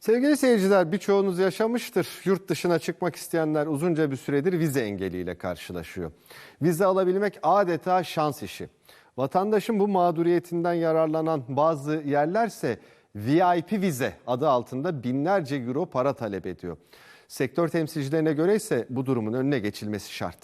Sevgili seyirciler, birçoğunuz yaşamıştır. Yurt dışına çıkmak isteyenler uzunca bir süredir vize engeliyle karşılaşıyor. Vize alabilmek adeta şans işi. Vatandaşın bu mağduriyetinden yararlanan bazı yerlerse VIP vize adı altında binlerce euro para talep ediyor. Sektör temsilcilerine göre ise bu durumun önüne geçilmesi şart.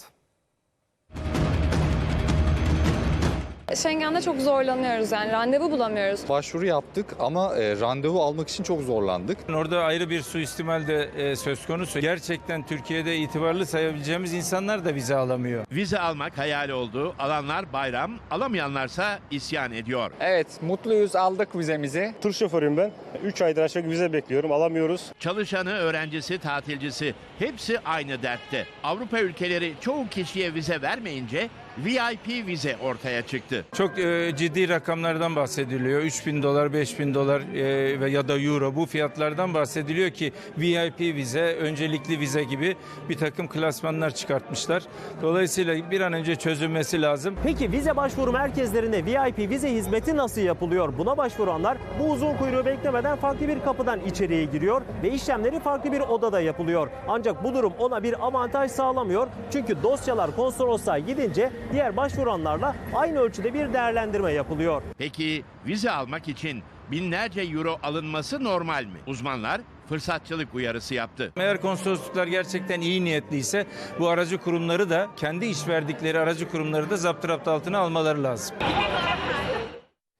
Schengen'de çok zorlanıyoruz, yani randevu bulamıyoruz. Başvuru yaptık ama randevu almak için çok zorlandık. Orada ayrı bir suistimal de söz konusu. Gerçekten Türkiye'de itibarlı sayabileceğimiz insanlar da vize alamıyor. Vize almak hayal oldu. Alanlar bayram, alamayanlarsa isyan ediyor. Evet, mutluyuz, aldık vizemizi. Tır şoförüyüm ben. 3 aydır aşağı vize bekliyorum, alamıyoruz. Çalışanı, öğrencisi, tatilcisi hepsi aynı dertte. Avrupa ülkeleri çoğu kişiye vize vermeyince VIP vize ortaya çıktı. Çok ciddi rakamlardan bahsediliyor. 3.000 dolar, 5.000 dolar ya da euro, bu fiyatlardan bahsediliyor ki VIP vize, öncelikli vize gibi bir takım klasmanlar çıkartmışlar. Dolayısıyla bir an önce çözülmesi lazım. Peki vize başvuru merkezlerinde VIP vize hizmeti nasıl yapılıyor? Buna başvuranlar bu uzun kuyruğu beklemeden farklı bir kapıdan içeriye giriyor ve işlemleri farklı bir odada yapılıyor. Ancak bu durum ona bir avantaj sağlamıyor. Çünkü dosyalar konsolosluğa gidince diğer başvuranlarla aynı ölçüde bir değerlendirme yapılıyor. Peki vize almak için binlerce euro alınması normal mi? Uzmanlar fırsatçılık uyarısı yaptı. Eğer konsolosluklar gerçekten iyi niyetliyse bu aracı kurumları da, kendi iş verdikleri aracı kurumları da zapturapt altına almaları lazım.